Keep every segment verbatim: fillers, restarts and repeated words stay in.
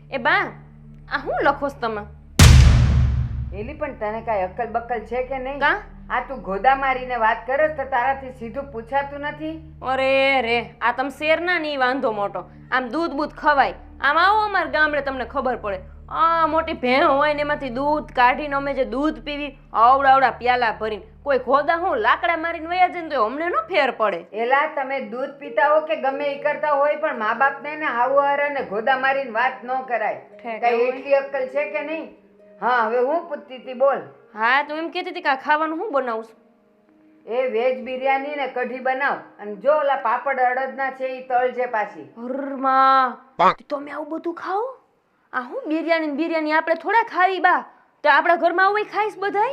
એ બા આ હું લખોસ તમે? એલી પણ તને કાંઈ અક્કલ બક્કલ છે કે નહીં? કા આ તું ગોદા મારીને વાત કરે તો તારાથી સીધું પૂછાતું નથી? અરે રે આ તમે શેરના નહીં વાંધો મોટો. આમ દૂધ બૂધ ખવાય. આમ આવો અમારા ગામડે તમને ખબર પડે. આ મોટી ભેં હોય ને એમાંથી દૂધ કાઢીને અમે જે દૂધ પીવી આવડાવડા પ્યાલા ભરીને કોઈ ગોદા હું લાકડા મારીને વયા જાય ને તો અમને ન ફેર પડે. એલા તમે દૂધ પીતા હો કે ગમે એ કરતા હોય પણ મા બાપને ને હાવું હારાને ગોદા મારીને વાત ન કરાય. કઈ એટલી અક્કલ છે કે નહીં? હા હવે હું પૂછતી હતી બોલ. હા તું એમ કહેતી હતી કે આ ખાવાનું હું બનાવું છું? એ વેજ બિરયાની ને કઢી બનાવ અને જો ઓલા પાપડ અડદના છે ઈ તળજે પાછી. હરમાં તમે આવું બધું ખાઓ? આ હું બિરયાની બિરયાની આપણે થોડા ખાવી બા? તો આપણા ઘરમાં આવું ખાઈશ બધાય?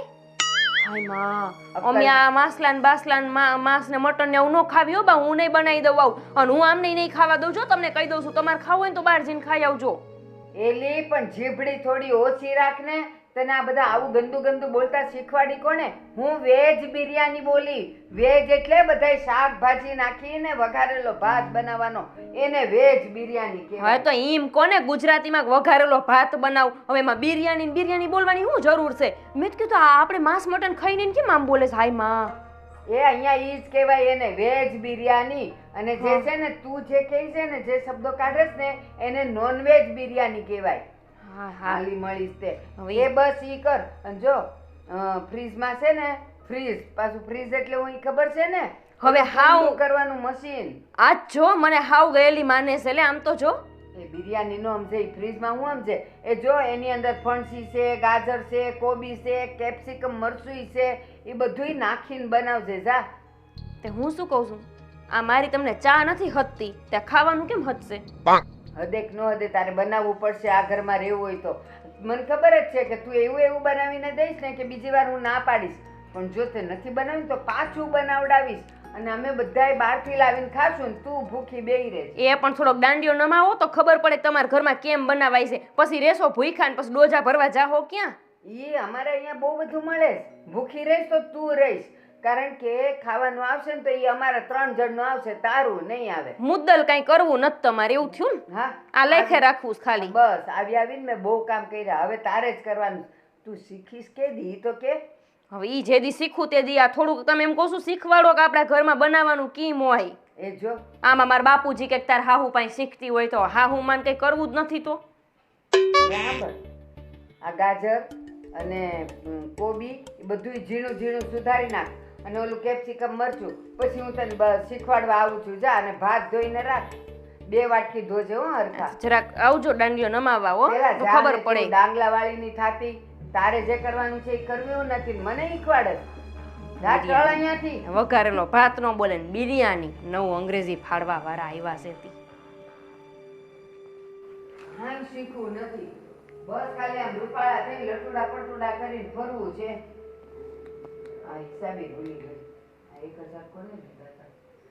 હાય માં અમે આ માસલાન બાસલાન માંસ ને મટન ને એવું ન ખાવી હો બા. હું નહીં બનાવી દઉં આવું અને હું આમ નહીં ખાવા દઉં. જો તમને કહી દઉં છું તમારે ખાવું હોય ને તો બહાર જઈને ખાઈ આવજો. એલી પણ જીભડી થોડી ઓછી રાખ ને. તને આ બધા આવું ગંદુ ગંદુ બોલતા શીખવાડી કોને? હું વેજ બિરયાની બોલી. વેજ એટલે બધાય શાકભાજી નાખીને વઘારેલો ભાત બનાવવાનો, એને વેજ બિરયાની કહેવાય. હવે તો ઈમ કોને ગુજરાતીમાં વઘારેલો ભાત બનાવ. હવે એમાં બિરયાની બિરયાની બોલવાની શું જરૂર છે? મેં તો કીધું આપણે માંસ મટન ખાઈને કેમ આમ બોલે? હાય માં એ અહીંયા ઈ જ કહેવાય એને વેજ બિરયાની. અને જે છે ને તું જે કહે છે ને જે શબ્દો કાઢેસ ને એને નોનવેજ બિરયાની કહેવાય. હા હાલી મળીશ તે એ બસ ઈ કર. અને જો ફ્રીજમાં છે ને ફ્રીજ પાછું ફ્રીજ એટલે હું ઈ ખબર છે ને હવે હાવ કરવાનું મશીન. આજ જો મને હાવ ગયેલી માને છે. એટલે આમ તો જો એ બિરયાની નો સમજે ઈ ફ્રીજમાં હું સમજે એ જો એની અંદર ફણસી છે, ગાજર છે, કોબી છે, કેપ્સિકમ મરચું છે, એ બધુંય નાખીને બનાવજે જા. તે હું શું કહું છું, આ મારી તમને ચા નથી હતતી ત્યાં ખાવાનું કેમ હતશે? હદેક નો હદે તારે બનાવવું પડશે આ ઘરમાં રહેવું હોય તો. મને ખબર જ છે કે તું એવું એવું બનાવીને દઈશ ને કે બીજી વાર હું ના પાડીશ. પણ જો તે નથી બનાવ્યું તો પાછું બનાવડાવીશ અને અમે બધાય બહારથી લાવીને ખાશું ને તું ભૂખી બેહી રહેશ. એ પણ થોડોક દાંડિયો નમાવો તો ખબર પડે તમારા ઘરમાં કેમ બનાવાય છે. પછી રેસો ભૂખ્યા ને પછી ડોજા ભરવા જાહો ક્યાં? ઈ અમારે અહીંયા બહુ બધું મળે છે. ભૂખી રહીશ તો તું રહીશ. કારણ કે ખાવાનું આવશે ને તો એ અમારા ત્રણ જણનું આવશે, તારું નહીં આવે. મુદ્દલ કઈ કરવું નથી તમારે એવું થયું ને? હા આ લેખે રાખવું છે ખાલી. બસ આવી આવીને મેં બહુ કામ કર્યા. હવે તારે જ કરવાનું. તું શીખીશ કે દી તો કે હવે ઈ જે દી શીખું તે દી આ થોડુંક તમે એમ કહો છો શીખવાડો કે આપણા ઘરમાં બનાવવાનું કેમ હોય. એ જો આમાં મારા બાપુજી કે તાર હાહુ પાસે શીખતી હોય તો હાહુ માન કઈ કરવું જ નથી તો બરાબર. આ ગાજર અને કોબી એ બધું ઝીણું ઝીણું સુધારી નાખ અને ઓલું કેપ્સિકમ મરચું પછી હું તને બસ શીખવાડવા આવું છું. જા અને ભાત ધોઈને રાખ. બે વાટકી ધોજે હો હરખા. જરાક આવજો દાંડિયો નમાવા હો તો ખબર પડે. ડાંગલા વાળીની થાતી તારે જે કરવાનું છે એ કરવું નથી. મને શીખવાડે જા ચળ અહીંયાથી. વઘારેલો ભાત નો બોલે ને બિરયાની નવું અંગ્રેજી ફાડવા વાળા આવ્યા છે તી. હા શીખવું નથી. બસ ખાલી આમ રૂપાળા થઈ લટુડા પટુડા કરીને ફરવું છે. આ હિસાબે ભૂલી ગઈ. આ એક હજાર કોને દીધા હતા?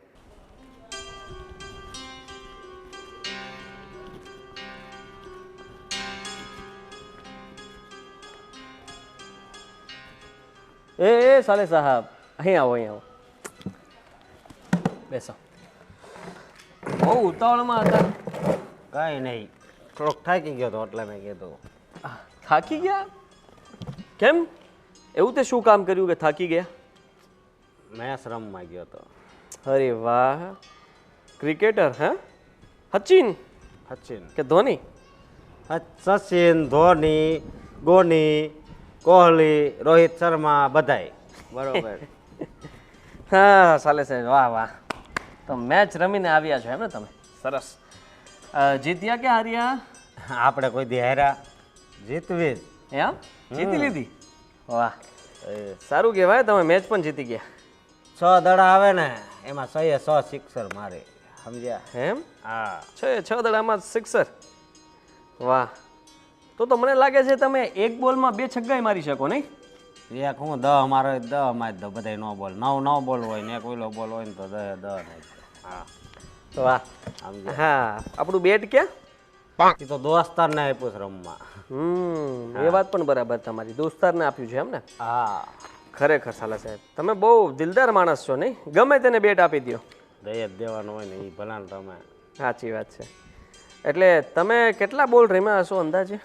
એ એ સાલે સાહેબ અહીં આવો અહીં આવો બેસો. બહુ ઉતાવળમાં હતા? કાંઈ નહીં, થોડોક થાકી ગયો હતો એટલે મેં કીધું. થાકી ગયા? કેમ એવું તે શું કામ કર્યું કે થાકી ગયા? મેચ રમવા ગયો હતો. અરે વાહ, ક્રિકેટર હે? સચિન સચિન કે ધોની? સચિન, ધોની, ગોની, કોહલી, રોહિત શર્મા બધાય બરોબર. હા સાલે સાહેબ વાહ વાહ. તો મેચ રમીને આવ્યા છો એમ ને તમે? સરસ. જીત્યા કે હાર્યા? આપણે કોઈ દી હાર્યા? જીતવી જ. એમ જીતી લીધી? વાહ સારું કહેવાય. તમે મેચ પણ જીતી ગયા. છ દડા આવે ને એમાં સો એ સો સિક્સર મારે. સમજ્યા? એમ? હા. છ છ દડામાં સિક્સર. વાહ. તો તો મને લાગે છે તમે એક બોલમાં બે છગ્ગાઈ મારી શકો નહીં? એક હું દહ મારો હોય દહ મારી દો. બધા નો બોલ નવ નવ બોલ હોય ને એક ઓલો બોલ હોય ને તો દહ દહ નહીં. હા વાહ. હા આપણું બેટ ક્યાં? એ તો દોસ્તાર ને આપ્યું છે રમવા. હમ એ વાત પણ બરાબર તમારી. દોસ્તારને આપ્યું છે એમ ને? હા ખરેખર સાલા સાહેબ તમે બહુ દિલદાર માણસ છો નહીં? ગમે તેને બેટ આપી દો. દઈ જ દેવાનું હોય ને એ ભલા તમે. સાચી વાત છે. એટલે તમે કેટલા બોલ રમ્યા હશો અંદાજે?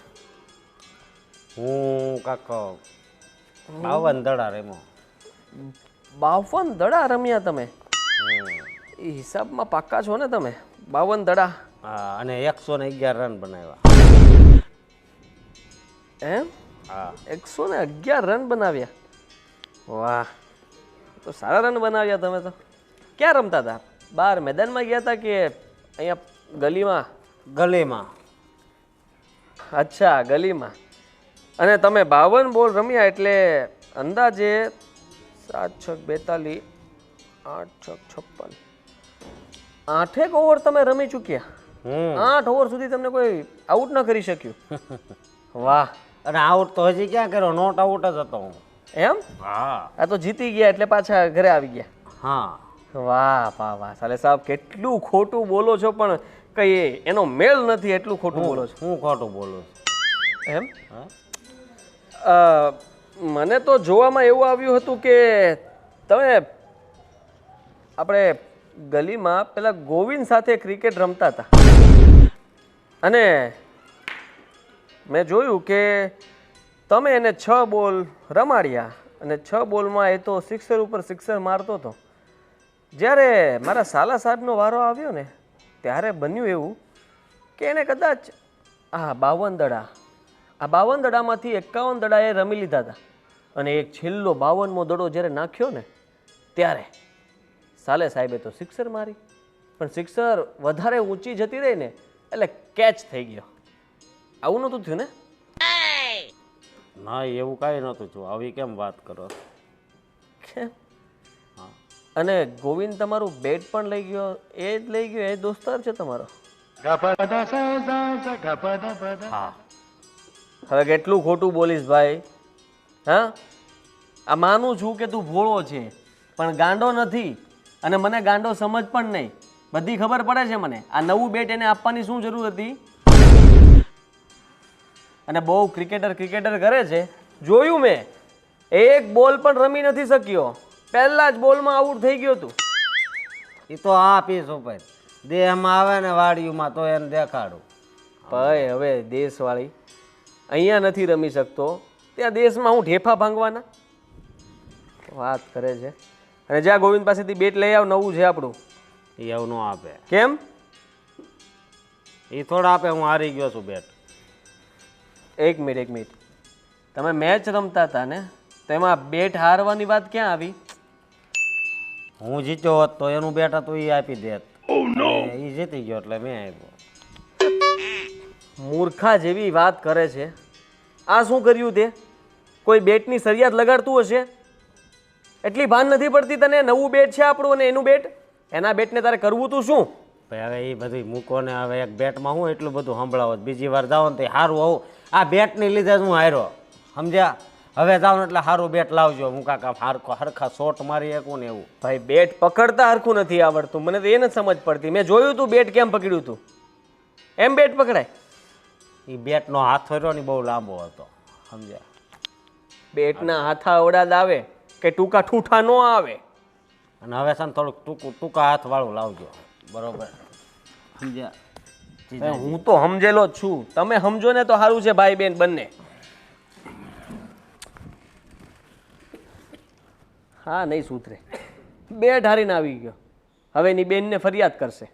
હું કાક બાવન દડા રેમો. બાવન દડા રમ્યા તમે? એ હિસાબમાં પાક્કા છો ને તમે? બાવન દડા. હા, અને એકસો ને અગિયાર રન બનાવ્યા. એમ? હા. એકસો ને અગિયાર રન બનાવ્યા? વાહ, તો સારા રન બનાવ્યા તમે તો. ક્યાં રમતા હતા? બહાર મેદાનમાં ગયા હતા કે અહીંયા ગલીમાં? ગલીમાં. અચ્છા, ગલીમાં. અને તમે બાવન બોલ રમ્યા એટલે અંદાજે સાત છક બેતાલીસ, આઠ છક છપ્પન, આઠેક ઓવર તમે રમી ચૂક્યા. હમ. આઠ ઓવર સુધી તમને કોઈ આઉટ ન કરી શક્યું. વાહ. અને આઉટ તો હજી ક્યાં કર્યો, નોટ આઉટ જ હતો હું. એમ? હા. આ તો જીતી ગયા એટલે પાછા ઘરે આવી ગયા. હા. વાહ વાહ વાહ, સાલે સાહેબ કેટલું ખોટું બોલો છો, પણ કઈ એનો મેળ નથી, એટલું ખોટું બોલો છો. હું ખોટું બોલું છું. એમ? હા. અ, મને તો જોવામાં એવું આવ્યું હતું કે તમે આપણે ગલીમાં પેલા ગોવિંદ સાથે ક્રિકેટ રમતા હતા અને મેં જોયું કે તમે એને છ બોલ રમાડ્યા અને છ બોલમાં એ તો સિક્સર ઉપર સિક્સર મારતો હતો. જ્યારે મારા સાલા સાહેબનો વારો આવ્યો ને ત્યારે બન્યું એવું કે એને કદાચ આ બાવન દડા આ બાવન દડામાંથી એકાવન દડા એ રમી લીધા હતા અને એક છેલ્લો બાવનમો દડો જ્યારે નાખ્યો ને ત્યારે સાલે સાહેબે તો સિક્સર મારી, પણ સિક્સર વધારે ઊંચી જતી રહી ને એટલે કેચ થઈ ગયો. આવું નહોતું થયું ને? ના, એવું કાંઈ નહોતું થયું. આવી કેમ વાત કરો? કેમ? અને ગોવિંદ તમારું બેટ પણ લઈ ગયો, એ જ લઈ ગયો, એ દોસ્તાર છે તમારો? હા. હવે કેટલું ખોટું બોલીશ ભાઈ? હા, આ માનું છું કે તું ભોળો છે પણ ગાંડો નથી, અને મને ગાંડો સમજ પણ નહીં. બધી ખબર પડે છે મને. આ નવું બેટ એને આપવાની શું જરૂર હતી? અને બહુ ક્રિકેટર ક્રિકેટર કરે છે, જોયું મેં. એક બોલ પણ રમી નથી શક્યો, પહેલા જ બોલમાં આઉટ થઈ ગયો તું. એ તો આ પીસ ઉપર દેહમાં આવે ને વાડીમાં તો એને દેખાડું. ભાઈ હવે દેશવાળી અહીંયા નથી રમી શકતો, ત્યાં દેશમાં હું ઢેફા ભાંગવાના વાત કરે છે. અને જ્યાં ગોવિંદ પાસેથી બેટ લઈ આવ, નવું છે આપણું. એ એવું ન આપે. કેમ? એ થોડા આપે. હું હારી ગયો છું બેટ. એક મિનિટ એક મિનિટ તમે મેચ રમતા હતા ને, તો એમાં બેટ હારવાની વાત ક્યાં આવી? હું જીત્યો હોત તો એનું બેટ હતું એ આપી દેત. એ જીતી ગયો એટલે મેં આપ્યો. મૂર્ખા જેવી વાત કરે છે. આ શું કર્યું તે? કોઈ બેટની સરિયાત લગાડતું હશે, એટલી ભાન નથી પડતી તને? નવું બેટ છે આપણું અને એનું બેટ, એના બેટને તારે કરવું તું શું? ભાઈ હવે એ બધું મૂકો ને. હવે એક બેટમાં હું એટલું બધું સંભળાવો, બીજી વાર જાઓ ને તો સારું હોવું. આ બેટની લીધે જ હું હાર્યો, સમજ્યા? હવે જાઓ ને એટલે સારું બેટ લાવજો. હું કાકા હરખો હરખા શોટ મારી શકું ને એવું. ભાઈ બેટ પકડતા હરખું નથી આવડતું, મને તો એ નથી સમજ પડતી. મેં જોયું તું બેટ કેમ પકડ્યું તું. એમ બેટ પકડાય? એ બેટનો હાથ ફર્યો ને બહુ લાંબો હતો, સમજ્યા? બેટના હાથા અવડાદ આવે કે ટૂંકા ઠૂઠા ન આવે. અને હવે છે ને થોડુંક ટૂંકું ટૂંકા હાથવાળું લાવજો, બરોબર? સમજ્યા? ભાઈ, હું તો સમજેલો જ છું, તમે સમજો ને તો સારું છે ભાઈ બેન બંને. હા, નહીં સુધરે. બેટ હારીને આવી ગયો, હવે એની બેનને ફરિયાદ કરશે.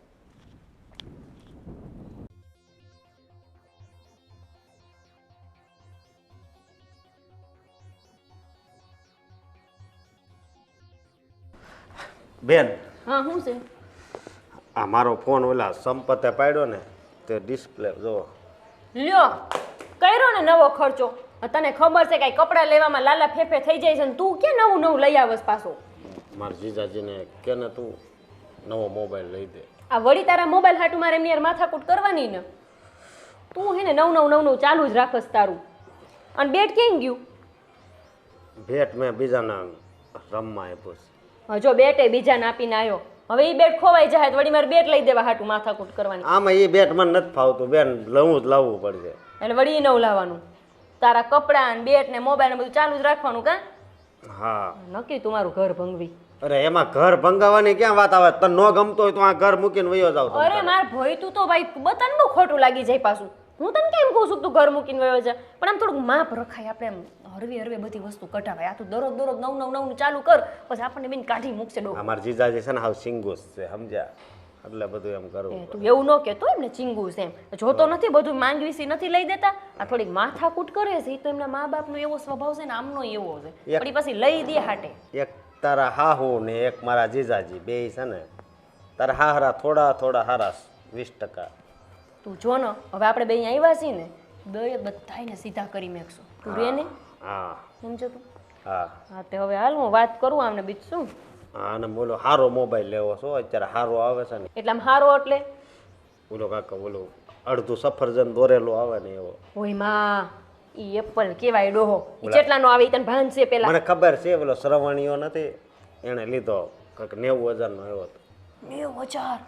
બેન, હા શું છે? આ મારો ફોન ઓલા સંપતે પાડ્યો ને તે ડિસ્પ્લે જો. લ્યો, કર્યો ને નવો ખર્ચો. તને ખબર છે કે કપડાં લેવામાં લાલા ફેફે થઈ જાય છે ને તું કે નવું નવું લઈ આવસ પાછો? મારા જીજાજીને કે ને તું નવો મોબાઈલ લઈ દે. આ વળી તારા મોબાઈલ હાટું મારે એમની યાર માથાકૂટ કરવાની ને. તું હે ને નવ નવ નવ નવ ચાલુ જ રાખસ તારું. અને બેટ કેમ ગયું? ભેટ મેં બીજાના રમવા આપ્યો છે. હા, જો બેટ એ બીજાને આપીને આવ્યો. હવે એ બેટ ખોવાઈ જાય તો વળી મારે બેટ લઈ દેવા હાટું માથાકૂટ કરવાની. આમાં એ બેટ મને નથી ફાવતું બેન, લવું જ લાવવું પડશે. એટલે વળી એ નવું લાવવાનું. તારા કપડાં ને બેટ ને મોબાઈલ ને બધું ચાલુ જ રાખવાનું. કાં? હા. નક્કી તું મારું ઘર ભંગવી. અરે એમાં ઘર ભંગાવાની ક્યાં વાત આવે? તને ન ગમતો હોય તો આ ઘર મૂકીને વયો જાવ તમે. અરે માર ભઈ તું તો ભાઈ બતાને બહુ ખોટું લાગી જાય પાછું. હું તને કેમ કહું છું તું ઘર મૂકીને વયો જા, પણ આમ થોડુંક માપ રખાય, આપણે એમ હરવે હરવે બધી વસ્તુ કઢાવાય. આ તું દરરોજ દરરોજ નવ નવ નવ ચાલુ કર પછી આપણને બેન કાઢી મૂકશે ડો. અમાર જીજાજી છે ને હાવ સિંગુસ છે સમજ્યા, એટલે બધું એમ કરવું. તું એવું ન કહેતો એમને ચીંગું છે એમ, જોતો નથી બધું માંગવીસી નથી લઈ દેતા. આ થોડીક માથાકૂટ કરે છે, એ તો એમના મા બાપનો એવો સ્વભાવ છે ને આમનો એવો છે, એક- પણ ઈ પછી લઈ દે હાટે. એક તારા હાહુ ને એક મારા જીજાજી બે છે ને, તારા હાહરા થોડા થોડા હારા વીસ ટકા. તું જો ને હવે આપણે બે અહીંયા આવ્યા છીએ ને, બે બધાયને સીધા કરી મેકશું. તું રે ને હા સમજો તું. હા હા તે હવે હાલ હું વાત કરું આમને બીજું શું. હા અને બોલો હારો મોબાઈલ લેવો છો અત્યારે, હારો આવે છે ને એટલે આમ હારો એટલે બોલો કાકા, બોલો અડધું સફરજન દોરેલું આવે ને એવો. ઓય માં ઈ એપલ કેવાય ડોહો, ઈ કેટલાનો આવે ઈ તને ભાન છે પેલા? મને ખબર છે, બોલો શ્રવણીયો નથી એને લીધો કંઈક નેવું હજાર નો આવ્યો હતો. નેવું હજાર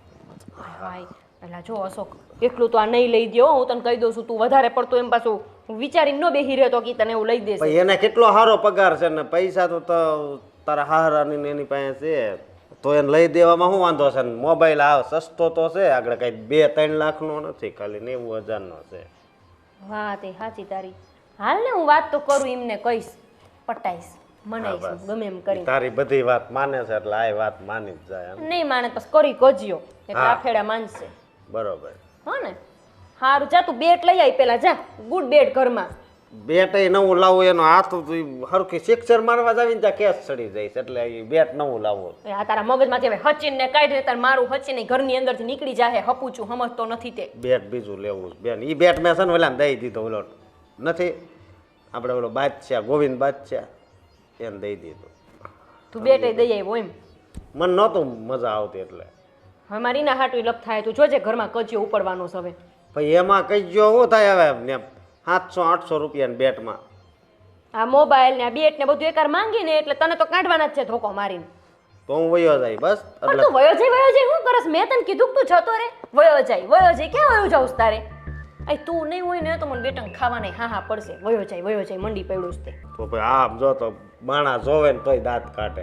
હાય હાય. પેલા જો અશોક એટલું તો આ નહીં લઈ દ્યો, હું તને કહી દઉં છું. તું વધારે પડતો એમ પાછું વિચારીને ન બેહી રહ્યો તો કે તને એવું લઈ દેશે. પછી એને કેટલો સારો પગાર છે ને પૈસા તો તો તારા હારાની ને એની પાસે છે, તો એને લઈ દેવામાં શું વાંધો છે? મોબાઈલ આ સસ્તો તો છે, આગળ કઈ બે ત્રણ લાખનો નથી, ખાલી નેવું હજારનો છે. વાહ તે સાચી તારી. હાલ ને હું વાત તો કરું, એમને કહીશ, પટાઈશ, મનાઈશ, હા, બસ. ગમે એમ કરીને. તારી બધી વાત માને છે એટલે આ વાત માની જ જાય એમ. નહીં માને પછી કરી કજ્યો એટલે હા. આ ફેડા માનશે. બરોબર. હા ને હારું જા તું બેટ લઈ આવી પેલા, જા ગુડ બેટ ઘરમાં. બેટ નવું લાવવું એનો હાથ હરખી સિક્સર મારવા જાવીને ત્યાં કેસ ચડી જાય છે, એટલે એ બેટ નવું લાવવું. એ આ તારા મગજમાંથી હવે હચીન ને કાઢી તાર મારું હચીને ઘરની અંદરથી નીકળી જાહે. હપુચું સમજતો નથી તે. બેટ બીજું લેવું છે બેન. એ બેટ મેં છે ને ઓલા દઈ દીધો, ઓલો નથી આપણે ઓલો બાદશાહ ગોવિંદ બાદશાહ એને દઈ દીધું. તું બેટ દઈ આવ્યો એમ? મને નહોતું મજા આવતી એટલે. હવે મારી ના હાટું લપ થાય. તું જોજે ઘરમાં કજિયો ઉપાડવાનો છે હવે. પછી એમાં કઈ જો શું થાય હવે ને સાતસો આઠસો રૂપિયા બેટમાં. આ મોબાઈલ ને આ બેટ ને બધું એકાર માંગીને એટલે તને તો કાઢવાના જ છે ધોકો મારીને. તો હું વયો જાય બસ. પણ એટલે તું વયો જાય વયો જાય શું કરસ? મેં તને કીધું કે તું જતો રે. વયો જાય વયો જાય ક્યાં વયો જાઉં તારે? અય તું નહીં હોય ને તો મને બેટન ખાવાના હા હા પડશે. વયો જાય વયો જાય મંડી પડ્યું છે તે. તો ભાઈ આમ જો તો માણા જોવે ને તોય દાંત કાઢે.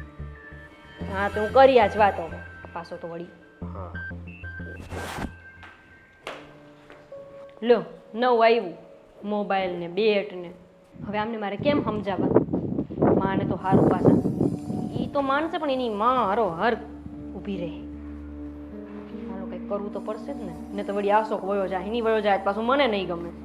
હા તો હું કરી આજ વાત હવે પાછો તો વળી. હા લો નવું આવ્યું મોબાઈલ ને બેટ ને. હવે આમને મારે કેમ સમજાવવા? માને તો હારું પાછા ઈ તો માનશે પણ એની માં હારો હર ઊભી રહે. મારું કંઈક કરવું તો પડશે જ ને, ને તો વળી આશોક વયો જાય એની વયો જાય પાછું મને નહીં ગમે.